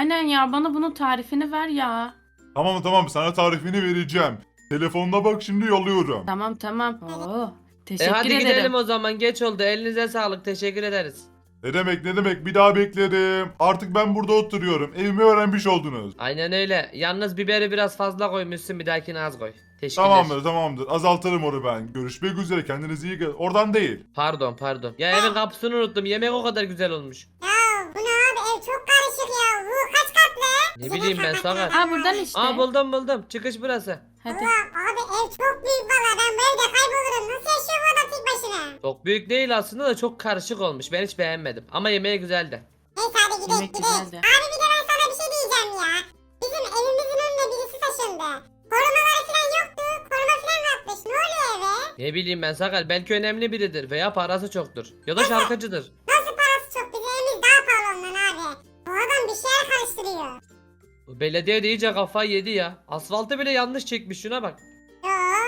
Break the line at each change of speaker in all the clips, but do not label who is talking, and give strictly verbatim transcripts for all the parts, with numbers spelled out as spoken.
Aynen ya, bana bunun tarifini ver ya.
Tamam tamam sana tarifini vereceğim. Telefonuna bak şimdi yolluyorum.
Tamam tamam. Oo,
E
teşekkür
hadi
ederim.
gidelim o zaman, geç oldu. Elinize sağlık, teşekkür ederiz.
Ne demek ne demek bir daha beklerim. Artık ben burada oturuyorum. Evimi öğrenmiş oldunuz.
Aynen öyle. Yalnız biberi biraz fazla koymuşsun, bir dahakine az koy. Teşekkürler.
Tamamdır tamamdır azaltırım onu ben. Görüşmek üzere kendinize iyi bakın. Oradan değil.
Pardon pardon. Ya evin kapısını unuttum. Yemek o kadar güzel olmuş.
Ya bu ne abi, ev çok karışık ya. Bu kaç katlı?
Ne bileyim ben Sakar.
Ha, buradan işte.
Aa buldum buldum. Çıkış burası.
Hadi.
Allah abi, ev çok büyük valla, ben bu evde kaybolurum. Nasıl yaşıyor bu adam tek başına?
Çok büyük değil aslında da çok karışık olmuş. Ben hiç beğenmedim. Ama yemeği güzeldi.
Neyse hadi gidelim
Yemek
gidelim.
güzeldi.
Abi bir de ben sana bir şey diyeceğim ya. Bizim evimizin önüne birisi taşındı. Korumaları falan yoktu. Koruma falan mı atmış? Ne oluyor eve?
Ne bileyim ben Sakar. Belki önemli biridir veya parası çoktur. Ya da şarkıcıdır.
Nasıl parası çok? Bizim evimiz daha pahalı ondan abi. Bu adam bir şeyler karıştırıyor.
Bu belediye de iyice kafayı yedi ya. Asfaltı bile yanlış çekmiş, şuna bak.
Yo.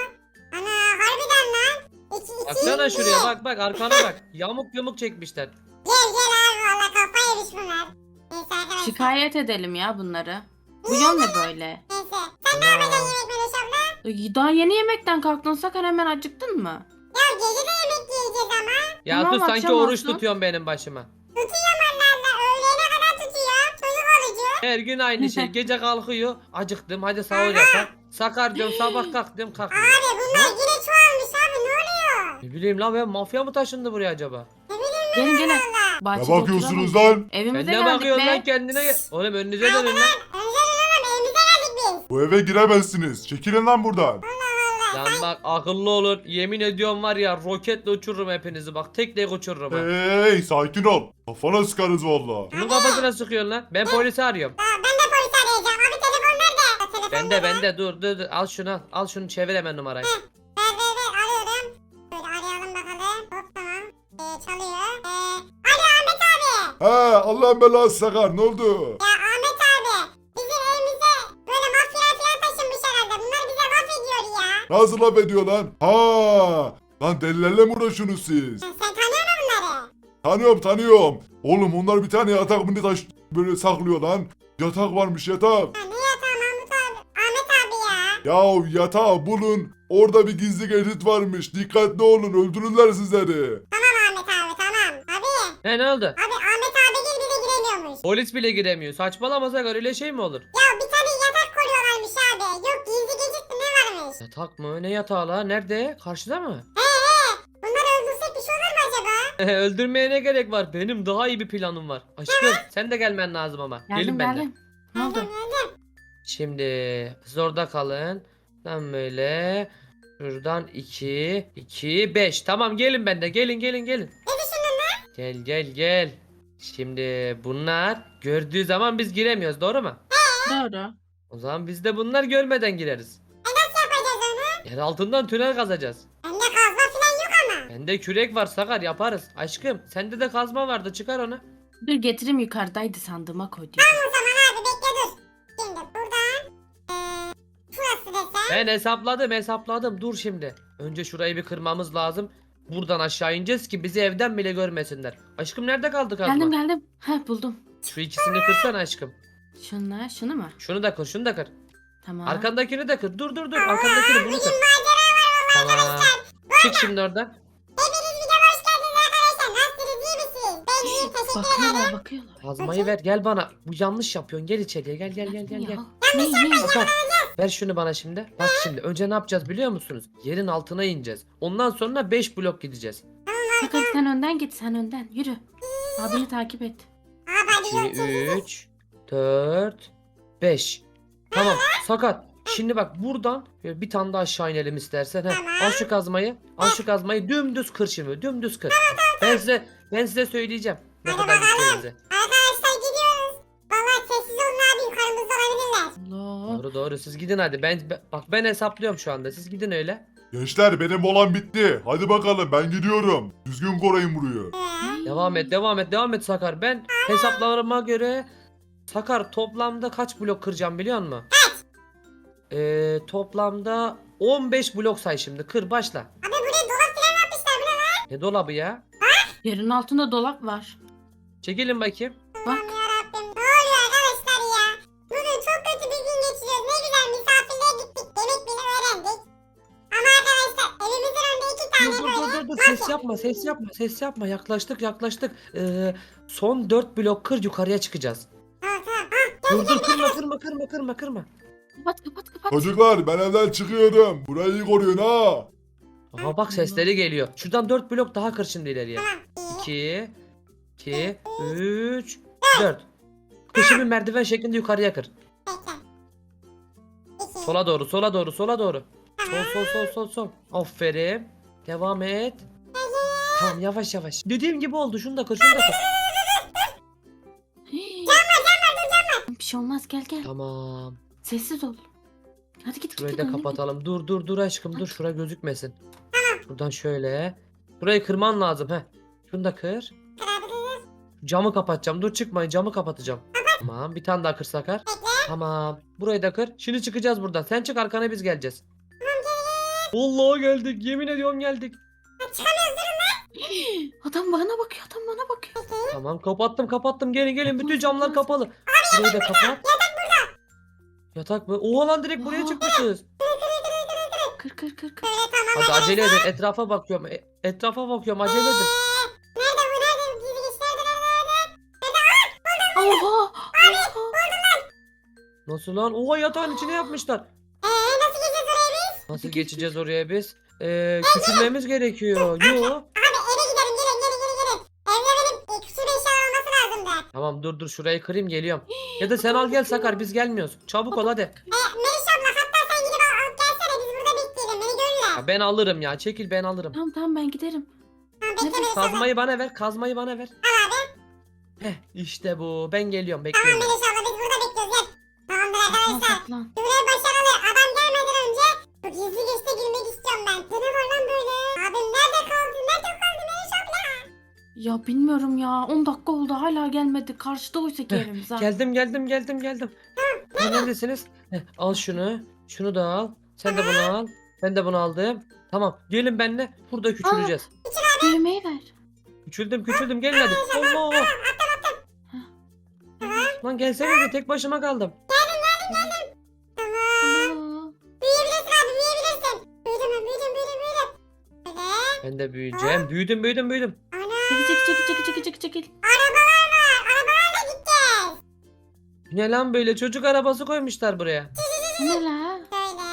Ana harbiden lan. İki, iki,
Baksana
bir.
şuraya, bak bak arkana bak. Yamuk yumuk çekmişler.
Gel gel abi, valla kafa yemiş bunlar. Neyse arkadaşlar.
Şikayet edelim ya bunları. Bu yol ne böyle?
Neyse. Sen ne yapacaksın yemek Meloş abla?
Ay, daha yeni yemekten kalktın Sakar, hemen acıktın mı?
Ya gece de yemek yiyeceğiz ama.
Ya
Tamam,
sus, sanki
akşam
oruç
olsun.
tutuyorsun benim başıma.
Tutuyorum onlarla. Öğlene kadar tutuyor. Çocuk olucu.
Her gün aynı şey. Gece kalkıyor. Acıktım, hadi sahur yapar. Sakar diyorum, sabah kalk diyorum, kalkmıyor.
Abi bunlar yine çoğalmış abi, ne oluyor?
Ne bileyim lan, ben mafya mı taşındı buraya acaba?
Gelin gelin.
Ne
Bahçede
bakıyorsunuz
oturalım.
lan?
Sen
Evimize
ne
geldik
bakıyorsun
be.
lan kendine? gel- Oğlum önünüze dönün lan.
Önceden oğlum evimize geldik biz.
Bu eve giremezsiniz. Çekilin lan buradan.
Lan bak akıllı olun. Yemin ediyorum var ya, roketle uçururum hepinizi, bak tek tek uçururum ha.
Hey sakin ol. Kafana sıkarız valla.
Kimin kafasına sıkıyorsun lan? Ben polisi arıyorum.
Aa, ben de polis arayacağım. Abi telefon nerede? Telefon
Bende
nerede?
bende dur dur dur, al şunu al. Al şunu, çevir hemen numarayı.
Ver ver ver, arıyorum. Böyle arayalım bakalım. Hop tamam. Ee, çalıyor. Ee, alo Ahmet abi.
He Allah'ın belası Sakar ne oldu?
Ya Ahmet abi. Bizim evimize böyle mafyalar falan taşınmış herhalde. Bunlar bize laf ediyor ya.
Nasıl laf ediyor lan? Ha, lan delilerle mi uğraşıyorsunuz siz?
Sen, sen tanıyor musun bunları?
Tanıyorum tanıyorum. Oğlum onlar bir tane yatak mı taş böyle saklıyor lan. Yatak varmış yatak.
Ha, ne yatağı Mahmut abi? Ahmet abi ya.
Ya yatağı bulun. Orada bir gizli geçit varmış. Dikkatli olun öldürürler sizleri.
Tamam Ahmet abi tamam. Abi.
He, ne oldu?
Abi Ahmet abi gel, bir de giremiyormuş.
Polis bile giremiyor. Saçmalama Sakar, öyle şey mi olur?
Ya bir tane yatak koruyorlarmış abi. Yok gizli geçit mi ne varmış?
Yatak mı? Ne yatağı la? Nerede? Karşıda mı?
He he. Bunları öldürsek bir şey olur mu acaba?
Öldürmeye ne gerek var? Benim daha iyi bir planım var. Aşkım sen de gelmen lazım ama.
Geldim
Gelin benden.
geldim. Ne oldu?
Geldim geldim.
Şimdi siz orada kalın. Tam böyle. Şuradan iki, iki, beş. Tamam gelin bende. Gelin gelin gelin.
Ne düşündün lan?
Gel gel gel. Şimdi bunlar gördüğü zaman biz giremiyoruz, doğru mu?
Doğru.
O zaman biz de bunlar görmeden gireriz.
E nasıl yapacağız onu?
Yer altından tünel kazacağız.
Bende kazma falan yok ama.
Bende kürek var Sakar, yaparız. Aşkım sende de kazma vardı, çıkar onu.
Dur getireyim, yukarıdaydı, sandığıma koydum.
O zaman abi bekle dur. Şimdi buradan. Eee. Şurası desem.
Ben hesapladım hesapladım, dur şimdi. Önce şurayı bir kırmamız lazım. Buradan aşağı ineceğiz ki bizi evden bile görmesinler. Aşkım nerede kaldı kazma?
Geldim geldim. Heh, buldum.
Şu ikisini kırsana aşkım.
Şunla şunu mu?
Şunu da kır, şunu da kır.
Tamam.
Arkandakini de kır. Dur dur dur. Arkandakini bunu kır. Tamam. Çık şimdi oradan.
Hepiniz videoma hoş geldiniz arkadaşlar. Nasılsınız, iyi misiniz? Ben iyiyim, teşekkür
Bakıyorlar
ederim.
bakıyorlar.
Kazmayı ver, gel bana. Bu yanlış yapıyorsun. Gel içeriye. Gel gel gel gel
Ya,
gel.
Ne ne?
Sakar, ver şunu bana şimdi. Bak şimdi önce ne yapacağız biliyor musunuz? Yerin altına ineceğiz. Ondan sonra beş blok gideceğiz.
Sakar sen önden git, sen önden. Yürü. Abini takip et.
Abi hadi
iki,
görüşürüz.
üç, dört, beş. Tamam Sakar. Şimdi bak buradan şöyle bir tane daha aşağı inelim istersen. Heh,
Tamam.
al şu kazmayı. Al şu kazmayı dümdüz kır şimdi. Dümdüz kır. Ben size ben size söyleyeceğim. Ne
Hadi
kadar
bakalım.
gideceğimizi.
Arkadaşlar gidiyoruz. Vallahi sessiz olun abi, yukarımızda olabilirler.
Allah.
Doğru doğru, siz gidin hadi. Ben ben- bak ben hesaplıyorum şu anda. Siz gidin öyle.
Gençler benim olan bitti. Hadi bakalım ben gidiyorum. Düzgün koruyun burayı.
Ee,
Devam et, devam et, devam et Sakar. Ben hesaplarıma göre Sakar toplamda kaç blok kıracağım biliyor musun? Kaç? Ee, toplamda on beş blok say şimdi. Kır başla.
Abi buraya dolap falan yapmışlar, bu ne lan?
Ne dolabı ya?
Yerin altında dolap var.
Çekilin bakayım.
Bak.
Aman yarabbim, ne oluyor arkadaşlar
ses yapma ses yapma ses yapma yaklaştık yaklaştık. Ee, son dört blok kır yukarıya çıkacağız.
Tamam tamam. Ah,
Dur dur kırma kırma kırma kırma kırma.
Kapat kapat kapat.
Çocuklar ben evden çıkıyorum. Burayı iyi koruyun ha.
Aha bak sesleri geliyor. Şuradan dört blok daha kır şimdi ileriye.
tamam. İyi.
iki iki üç dört. Kır şimdi merdiven şeklinde yukarıya kır.
Bekle. İki.
Sola doğru sola doğru sola doğru. Sol
Tamam.
sol sol sol sol. Aferin. Devam et. Tamam yavaş yavaş. Dediğim gibi oldu. Şunu da kır şunu da kır.
Hii. Bir şey olmaz gel gel.
Tamam.
Sessiz ol. Hadi git
Şurayı
git.
da
önüne git.
kapatalım. Dur dur dur aşkım dur. Şura gözükmesin. Buradan şöyle. Burayı kırman lazım. Heh. Şunu da kır.
Kırabiliriz.
Camı kapatacağım. Dur çıkmayın. Camı kapatacağım. Tamam. Bir tane daha kır Sakar. Tamam. Burayı da kır. Şimdi çıkacağız buradan. Sen çık arkana biz geleceğiz. Vallahi geldik. Yemin ediyorum geldik.
Hii. Adam bana bakıyor adam bana bakıyor.
Tamam kapattım kapattım. Gelin gelin. Bütün camlar kapalı. Burayı da kapat. Yatak mı? Oha lan direkt buraya
Aa.
çıkmışız.
Kır kır kır kır.
Böyle tamam.
Hadi acele edin. Etrafa bakıyorum. E- etrafa bakıyorum. Acele edin.
Nerede bu nerede? Gizli geçler nerede?
Oha. Oha.
Nasıl lan? Oha yatağın içine yapmışlar.
Eee nasıl geçeceğiz oraya biz?
Nasıl geçeceğiz oraya biz? Ee, küçülmemiz gerekiyor. Yo.
Abi eve gidelim gelin gelin gelin gelin. Evde benim e, küçük eşya olması lazımdı.
Tamam dur dur şurayı kırayım geliyorum. Ya da sen al gel Sakar biz gelmiyoruz. Çabuk ol hadi.
E, Meriç abla hatta sen gidip al, alıp gelsene biz burada bekleyelim beni görürler.
Ya ben alırım ya. Çekil ben alırım.
Tamam tamam ben giderim.
Tamam bekle
Nerede?
Meriç abla.
Kazmayı bana ver. Kazmayı bana ver.
Al abi.
Heh işte bu. Ben geliyorum
Tamam
bekliyorum.
Meriç abla biz burada bekliyoruz gel. Tamamdır
Saklan
arkadaşlar.
saklan.
Görev başarılı. Adam gelmeden önce bu gizli geçte girmek istiyorum ben. Bu ne var lan böyle? Abim nerede kaldı? Nerede kaldı Meriç abla?
Ya bilmiyorum ya. on dakika oldu hala gelmedi. Karşıda oysa ki
Heh,
evimiz ha.
Geldim geldim geldim geldim. Ha, neredesiniz? Heh, al şunu. Şunu da al. Sen de bunu al. Ben de bunu aldım. Tamam. Gelin benimle. Burada küçüleceğiz.
Düğmeyi ver.
Küçüldüm küçüldüm. Gelin hadi. Allah. Lan gelsenize tek başıma kaldım.
Tamam.
Aa.
Büyüyebilirsin abi büyüyebilirsin. Büyüdüm ben büyüdüm büyüdüm büyüdüm. Böyle.
Ben de büyüyeceğim. Büyüdüm büyüdüm büyüdüm.
Ana.
Çekil çekil çekil çekil çekil çekil çekil.
Arabalar var. Arabalarla gideceğiz.
Ne lan böyle çocuk arabası koymuşlar buraya.
Bu ne la?
Şöyle.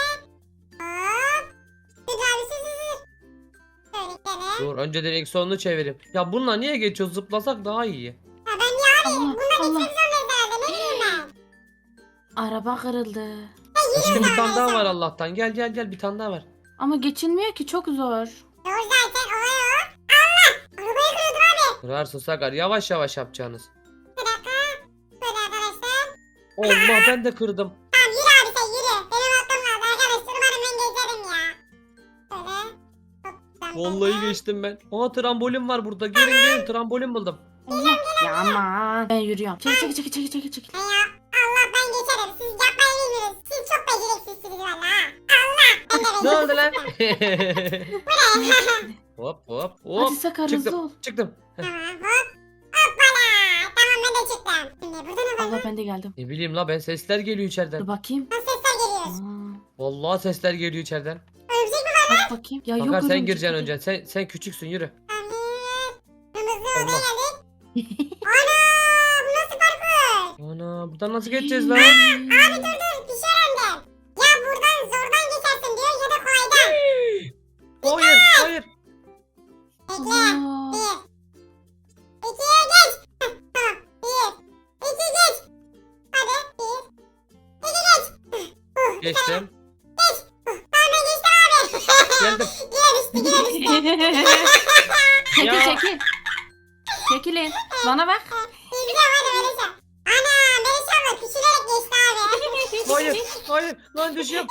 Hop. Dur abi sür sür sür. Şöyle gidelim.
Dur önce direksiyonunu çevireyim. Ya bununla niye geçiyoruz? Zıplasak daha iyi.
Ha ben niye abi?
Allah
Bunlar
Allah.
gitmek zorundayız herhalde. Ne bileyim ben.
Araba kırıldı.
Aşkım bir tane daha var Allah'tan. Gel gel gel bir tane daha var.
Ama geçilmiyor ki çok zor.
Doğru zaten olay o. Allah. Arabayı kırıyordum abi.
Kırarsın Sakar yavaş yavaş yapacağınız.
Bir dakika. Böyle arkadaşlar.
Allah ben de kırdım.
Tamam yürü abi sen yürü. Benim atlam lazım arkadaşlar. Umarım ben geçerim ya. Böyle. Hop, ben
Vallahi
böyle.
geçtim ben. Aa trambolin var burada. Gelin gelin trambolin buldum.
Allah. Ya aman. Ben yürüyorum. Çekil çekil çekil çekil çekil çekil.
Hey ya. Allah ben geçerim. Siz yapmayı bilmiyorsunuz. Siz çok beceriksizsiniz valla ha. Allah. Ben de
Ne oldu
beceriksizim.
lan? hop hop hop.
Hadi Sakar hızlı ol.
Çıktım. Çıktım.
Tamam hop. Hoppala. Tamam ben de çıktım. Şimdi burada ne var?
Allah ben de geldim.
Ne bileyim la ben sesler geliyor
Dur
içeriden.
bakayım.
Nasıl sesler geliyor?
Aa,
Vallahi sesler geliyor içeriden.
Örümcek mi var?
bak bakayım. Ya yok
Sakar sen
örümcek
gireceksin
değil.
önce. Sen sen küçüksün yürü.
Tamam. Kırmızı odaya
Allah.
geldik. Ana. Bu nasıl parkur?
Ana buradan nasıl geçeceğiz lan?
Abi dur dur. Bir şey öğrendim. Ya buradan zordan geçersin diyor ya da kolaydan.
Hayır hayır.
Bekle.
Allah.
Bir. İkiye geç. Heh, tamam. Bir. İki geç. Hadi. Bir. İki geç. Uh, bir tane.
Geçtim.
Tamam ben geçtim abi.
Geldim.
Geri düştü geri düştü.
Çekil
Ya.
çekil. Çekilin. Bana bak.
Biliyorum hadi öyle şey. Ana Melis abla küçülerek geçti abi.
Hayır hayır. Lan düşüyorum.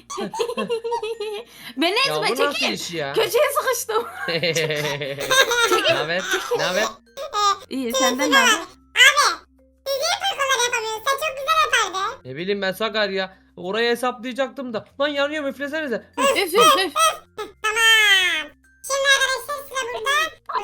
Ben
Ya
ezme
bu nasıl
çekil.
iş ya?
Köşeye sıkıştım.
Ne haber? Ne haber?
İyi senden ne haber?
Abi siz niye parkurlar yapamıyorsunuz? Sen çok güzel yapardın.
Ne bileyim ben Sakar ya. Orayı hesaplayacaktım da. Lan yanıyor üflesenize.
Üf üf üf.
Tamam. Şimdi arkadaşlar sıra burada.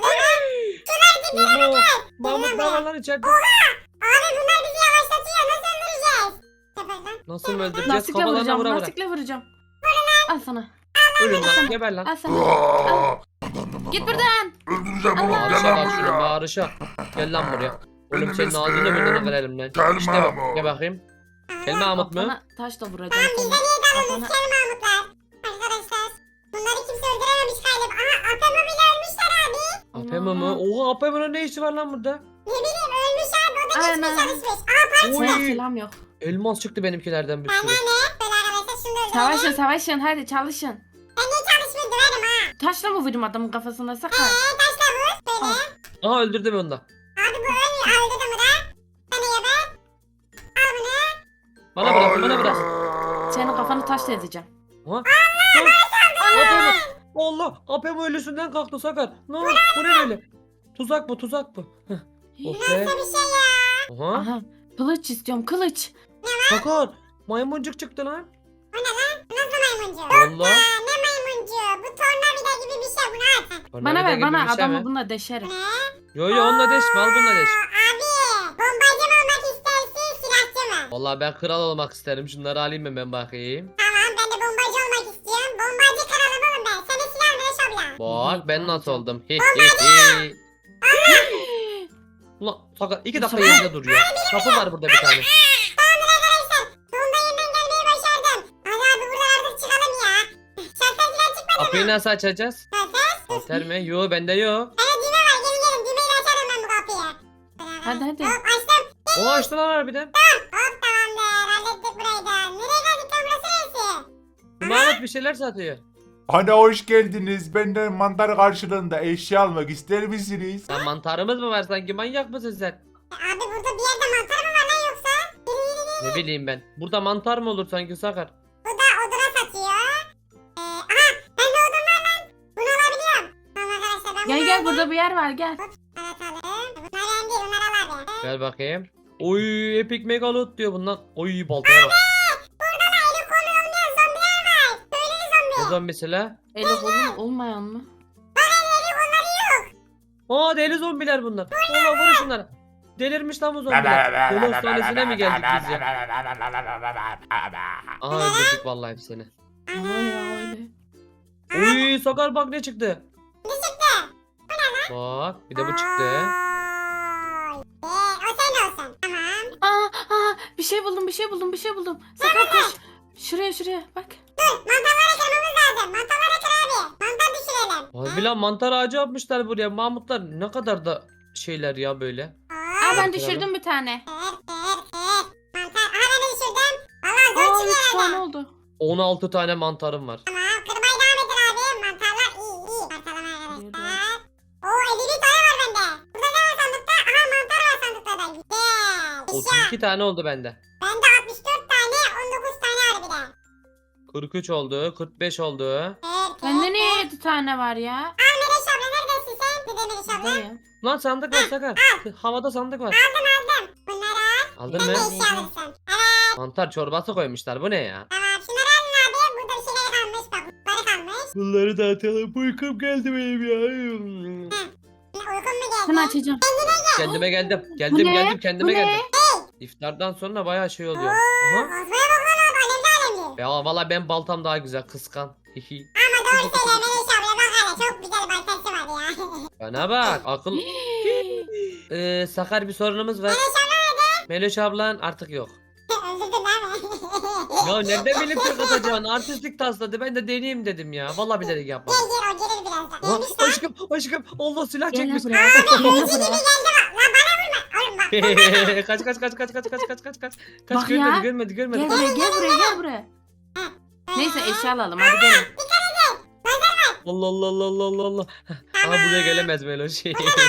Allah. Mahmut ne var lan içeride?
Abi bunlar bizi yavaşlatıyor. Nasıl öldüreceğiz? Yapar lan.
Nasıl mı öldüreceğiz?
Lastikle
Kafalarına
vuracağım.
vura vura.
Lastikle vuracağım. Al sana.
Ölün lan. Geber lan.
Al sana. Al.
Ananı
Git buradan.
Öldüreceğim oğlum. Gel
Bağırışa
lan
bak şuna
buraya.
bağırışa. Gel lan buraya. Oğlum
Benim
senin
ismim
ağzını burnunu kırarım lan.
Kel
İşte bak.
Mahmut.
Gel bakayım. Kel Mahmut mu?
Kafana taş da vuracağım seni. Kafana...
Kel Mahmutlar. Arkadaşlar. Bunları kimse öldürememiş galiba. Aha Apemo bile ölmüşler abi.
Apemo mu? Oha Apemo'nun ne işi var lan burada?
Ne bileyim ölmüş abi. O da geçmiş
Aynen.
çalışmış. Aa parça.
Oy.
Silah silah yok.
Elmas çıktı benimkilerden bir
Bana
sürü.
ne? Böyle arkadaşlar şunu da öldürelim.
Savaşın savaşın hadi çalışın.
Ben niye çalışmayı döverim ha?
Taşla mı vurayım adamın kafasına sakar?
Eee taşla vur. Böyle.
Al.
Aha öldürdüm onu da.
Abi bu ölmüyor. Öldürdüm bu da. Sana geber. Al bunu.
Bana bırak bana bırak.
Senin kafanı taşla ezeceğim.
Aha. Apemo. Allah Apemo ölüsünden kalktı Sakar. Ne oldu? Bu ne böyle? Tuzak bu tuzak bu. Heh. Oh be.
Nasıl bir şey ya?
Aha.
Aha kılıç istiyorum kılıç.
Sakar. Maymuncuk çıktı lan.
O ne lan? Nasıl maymuncu?
Valla.
Aa, ne maymuncu? Bu tornavida gibi bir şey. Bunu at.
Bana
Tornavida
ver
gibi
bana
bir şey
adamı
mi?
bununla deşerim.
Ne?
Yo yo onunla deşme al bununla deş.
Aa, abi bombacı mı olmak istersin silahçı mı?
Vallahi ben kral olmak isterim. Şunları alayım mı ben bakayım.
Tamam ben de bombacı olmak istiyorum. Bombacı kralım oğlum ben. Sana silah Mereş abla.
Bak ben nasıl oldum. Hi hi hi. Ulan Sakar iki dakika
Sakar.
yerinde duruyor. Kapı var burada bir tane.
Tamamdır arkadaşlar. Sonunda yeniden gelmeyi başardım. Hadi abi buradan artık çıkalım ya. Şalter falan çıkmadı
Kapıyı
mı?
nasıl açacağız?
Şalter.
Alter mi? Yo bende yok.
Evet düğme var gelin gelin. Düğmeyle açarım ben bu kapıyı.
Hadi hadi.
Hop açtım.
O açtı lan harbiden.
Hop tamamdır. Hallettik burayı da. Nereye geldik lan burası neresi?
Mahmut bir şeyler satıyor.
Hani hoş geldiniz. Benden mantar karşılığında eşya almak ister misiniz?
Lan mantarımız mı var sanki manyak mısın sen?
Abi burada bir yerde mantar mı var lan yoksa? Yürü yürü yürü.
Ne bileyim ben. Burada mantar mı olur sanki Sakar?
Bu da oduna satıyor. Ee, aha ben de odun var lan. Bunu alabiliyorum. Tamam arkadaşlar ben
Gel
bunu
gel
aldım.
burada bir yer var gel.
Evet alalım. Bunlar önemli değil bunlar al abi.
Gel bakayım. Oy epic megalot diyor bundan. Oy baltaya bak.
Burada da eli kolu olmayan zombiler var. Söyledi
Ne
zombi.
zombisi la?
Eli kolun olmayan mı?
Eli kolları yok.
Aa deli zombiler bunlar. Allah vurun şunları. Delirmiş lan bu zombiler. Deli hastanesine mi geldik biz ya? Aha öldürdük vallahi hepsini.
Ama ya öyle.
Oy Sakar bak ne çıktı.
Ne çıktı?
Bak bir de bu çıktı.
Oy. Ee, o senin olsun. Tamam.
Aa, aa bir şey buldum bir şey buldum bir şey buldum. Sakar koş. Şuraya şuraya bak.
Dur mantarları kırmamız lazım. Mantarları kır abi. Mantar düşürelim.
Harbi lan mantar ağacı yapmışlar buraya. Mahmutlar ne kadar da şeyler ya böyle.
Aa ben
Kıralım.
düşürdüm bir tane.
Kır kır kır. Mantar. Aha ben de düşürdüm. Valla zor
Aa
çıkıyor
üç tane
herhalde.
oldu.
on altı tane mantarım var.
Tamam kırmaya devam edin abi. Mantarlar iyi iyi. Mantarlama arkadaşlar. Oo elli bir tane var bende. Burada ne var sandıkta? Aha mantar var sandıkta da. Güzel.
otuz
Eşya.
iki tane oldu bende.
Bende altmış dört tane on dokuz tane harbiden.
kırk üç oldu, kırk beş oldu.
Kır kır.
Bende niye yedi tane var ya?
Aa Mereş abla neredesin sen? Bir de Mereş abla.
Buradayım.
Lan sandık var Sakar. Havada sandık var.
Aldım aldım. Bunları al.
Aldın
Sen
mı?
de eşya alırsın. Evet.
Mantar çorbası koymuşlar. Bu ne ya?
Tamam şunları alın abi. Burada bir şeyler kalmış. Bak bunları kalmış.
Bunları da atalım. Uykum geldi benim ya.
Uykun mu
Sen
geldi?
açacağım.
Kendime geldim.
Bu
Geldim
ne?
geldim kendime
Bu ne?
geldim. İftardan sonra bayağı şey oluyor.
Oo,
Aha.
Ozmaya bak lan abi. Alemli alemli.
Ya valla ben baltam daha güzel kıskan. Hihi.
Ama doğru söylüyor Mereş abla. Bak hele çok güzel baltası var ya.
Bana bak akıl. Ee, Sakar bir sorunumuz var. Meloş ablan artık yok.
Öldürdün değil mi?
Ya nereden bilip tek atacağını artistlik tasladı ben de deneyeyim dedim ya. Vallahi bilerek
Gel
yapmadım.
gel o gelir birazdan.
Aha,
Neymiş lan?
aşkım aşkım Allah silah
Gel
çekmiş.
buraya. Gel buraya.
Geldi bak. Lan bana vurma. Oğlum bak.
kaç kaç kaç kaç kaç kaç kaç kaç kaç. Kaç
Bak
görmedi
ya.
görmedi görmedi.
Gel buraya gel buraya gel buraya. Neyse eşya alalım hadi gelin.
Allah Allah Allah Allah Allah Allah. Aha buraya gelemez Meloş.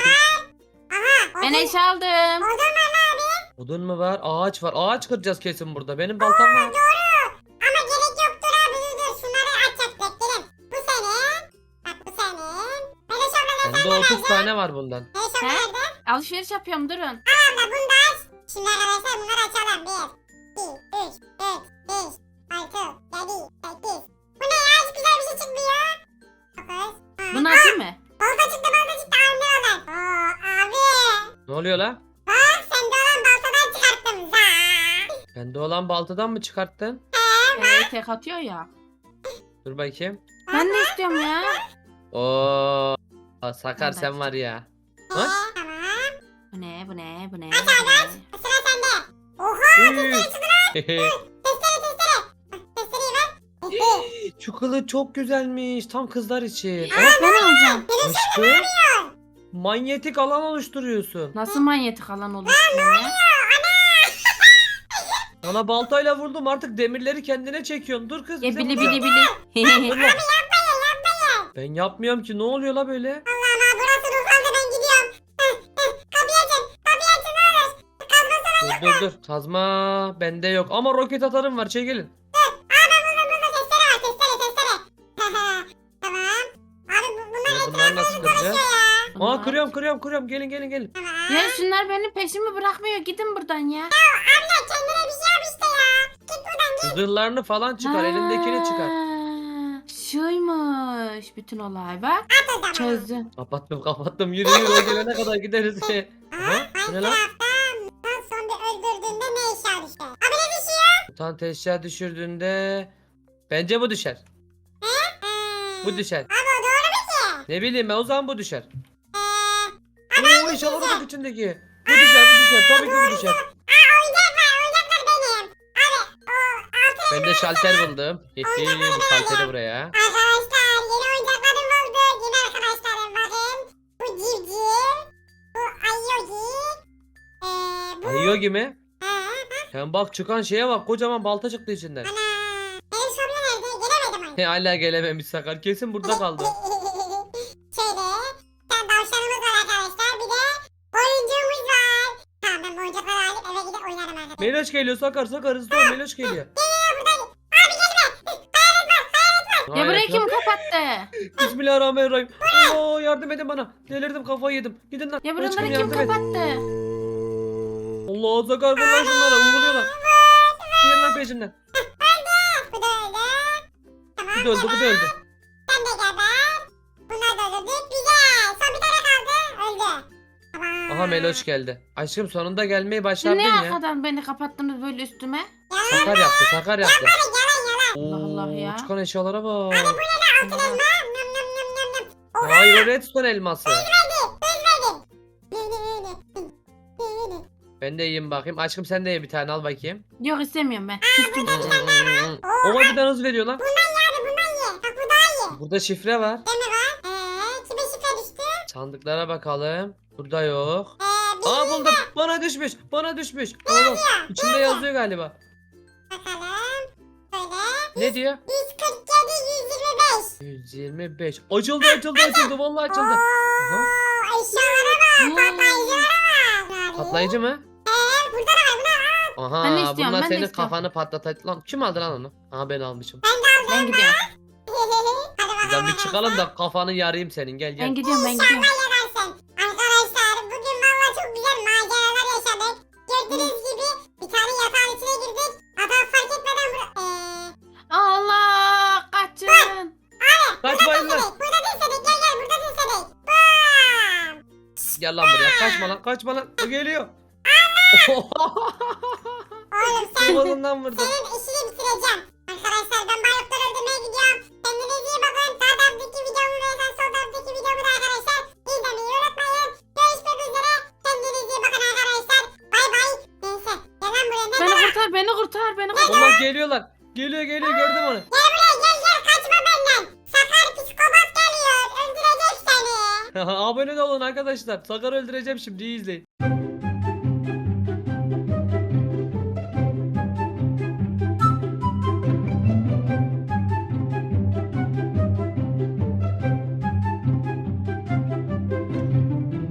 Aha.
Ben eşya aldım.
Odun var lan abi.
Odun mu var? Ağaç var. Ağaç kıracağız kesin burada. Benim baltam var.
Doğru. Ama gerek yoktur abi. Dur dur. Şunları açacak beklerim. Bu senin. Bak bu senin. Mereş abla ne
Bende otuz tane var bundan.
Mereş abla
He?
nerede?
Alışveriş yapıyorum durun.
Abla bunu da aç. Şimdi arkadaşlar bunları açalım. Bir, iki, üç, dört, beş, altı, yedi, sekiz. Bu ne ya? Hiç güzel bir şey çıkmıyor. Dokuz. on.
Bunu atayım mı?
Balta çıktı balta çıktı. Abi ne olur? Oo abi.
Ne oluyor la?
Bak sende olan baltadan çıkarttım. Za.
Bende olan baltadan mı çıkarttın?
Ee, tek atıyor ya.
Dur bakayım.
Ben de istiyorum ya.
Oo. Aa, Sakar
Ben
sen
de
var ya.
Ee,
Bak.
tamam.
Bu ne bu ne bu ne?
Aç abi aç.
bu ne?
Sıra sende. Oha.
Uy.
Testere testere. Bak, testereyi ver.
Şu kılıç çok güzelmiş. Tam kızlar için.
Evet ben alacağım.
Aşkım. Manyetik alan oluşturuyorsun.
Nasıl manyetik alan oluşturuyor ya?
Bana baltayla vurdum artık demirleri kendine çekiyorsun. Dur kız.
Ya
bize
bili
vurma.
bili bili.
Dur lan. Ben yapmıyorum ki ne oluyor la böyle?
Allah'ım ha burası ruhsaldı ben gidiyorum. Heh, heh. Kapıyı açın. Kapıyı açın ne olur. Kazma
Dur dur dur. Kazma bende yok ama roket atarım var çekilin.
Aa ben buldum buldum. Testere var testere testere. tamam. Abi bu, bunlar
Ya bunları nasıl kıracağız?
ya.
Aa
Bunlar-
kırıyorum kırıyorum kırıyorum gelin gelin gelin.
Tamam.
Ya şunlar benim peşimi bırakmıyor. Gidin buradan ya.
Abla kendine bir şey yap işte ya. Git buradan git.
Zırhlarını falan çıkar elindekini çıkar.
Ha, Şuymuş bütün olay bak.
At o zaman.
Çözdüm.
Kapattım kapattım yürü yürü o gelene kadar gideriz. Aha bu ne lan?
Minecraft'ta son bir öldürdüğünde ne eşya düşer? Abi ne düşüyor?
Mutant eşya düşürdüğünde bence bu düşer.
Ee,
Bu düşer.
Abi o doğru mu ki?
Ne bileyim ben o zaman bu düşer.
Eee
Oo eşyalar bak içindeki. Bu düşer bu düşer tabii ki bu düşer.
oyuncak var oyuncaklar benim. Abi o altı
Ben de şalter buldum. Hihi bu şalteri buraya.
arkadaşlar yeni oyuncaklarım oldu. Yeni arkadaşlarım bakın. Bu civciv. Bu ayogi. Eee bu.
Ayıyor mi?
Ha,
Sen bak çıkan şeye bak kocaman balta çıktı içinden.
ana. Benim şömine nerede? Gelemedim
He hala gelememiş Sakar kesin burada kaldı.
Şöyle. Sen tavşanımız var arkadaşlar. Bir de oyuncumuz var. Tamam ben bu oyuncakları alıp eve gidip oynarım arkadaşlar.
Meloş geliyor Sakar Sakar hızlı ol Meloş geliyor.
Ya burayı
Hayır,
kim kapattı?
Bismillahirrahmanirrahim. Allah yardım edin bana. Delirdim kafayı yedim. Gidin lan.
Ya
Aşkım,
buraları kim
yardım et.
kapattı?
Allah Sakar vur lan şunlara uyguluyorlar. Gidin lan peşinden.
Bu da öyle. Tamam.
Bu da öldü bu da öldü.
Sen de geber. Bunlar da öldürdük. Güzel. Son bir tane kaldı. Öldü. Tamam.
Aha Meloş geldi. Aşkım sonunda gelmeyi
Siz
başardın
ne
ya.
arkadan beni kapattınız böyle üstüme?
Sakar yaptı Sakar yaptı.
Yalan yalan.
Allah Allah ya.
Oo, çıkan eşyalara bak.
Altın elma. Nam nam nam nam nam.
Hayır o redstone elması.
Özledim. Ne ne ne ne. Ne ne.
Ben de yiyeyim bakayım. Aşkım sen de ye bir tane al bakayım.
Yok istemiyorum ben. Küstüm.
O birden hız veriyor lan.
Yani bundan ye. Bak bu daha iyi.
Burada şifre var.
Değil mi var? Eee kime şifre düştü?
Sandıklara bakalım. Burada yok.
Eee bir
Aa buldum. Bana düşmüş. Bana düşmüş. Oğlum içinde yazıyor galiba.
bakalım. Böyle.
Ne diyor?
yüz kırk yedi yüz yirmi beş.
yüz yirmi beş. Açıldı açıldı açıldı. Vallahi açıldı. Aha.
Oo, eşyalara bak. Patlayıcılara bak.
Patlayıcı mı?
Eee burada da var. Bunlar
Aha
Ben de istiyorum,
bunlar
ben de
senin
istiyorum.
kafanı patlatacak. Lan kim aldı lan onu? Aha ben almışım.
Ben gidiyorum.
Hadi bakalım.
Buradan bir çıkalım da kafanı yarayım senin. Gel gel.
Ben gidiyorum ben gidiyorum.
Yararsın. Arkadaşlar bugün valla çok güzel maceralar yaşadık. Gördüğünüz gibi bir tane yatağın içine girdik. Adam fark etmeden bura... Eee...
Allah kaçın.
Kaçmayın lan.
Burada dinsedik gel gel burada dinsedik. Bam!
Gel lan buraya. Kaçma lan. Kaçma lan. O geliyor.
Oğlum sen
Kafasından vurdu.
senin işini bitireceğim. Arkadaşlar ben balıkları öldürmeye gidiyorum. Kendinize iyi bakın. Sağ taraftaki videomu ve sen sol taraftaki videomu da arkadaşlar izlemeyi unutmayın. Görüşmek üzere. Kendinize iyi bakın arkadaşlar. Bay bay. Neyse. Gel lan buraya. Ne
Beni kurtar beni kurtar beni kurtar.
Allah geliyorlar. Geliyor geliyor gördüm onu.
Gel buraya gel gel kaçma benden. Sakar psikopat geliyor. Öldürecek seni.
Abone de olun arkadaşlar. Sakar öldüreceğim şimdi iyi izleyin.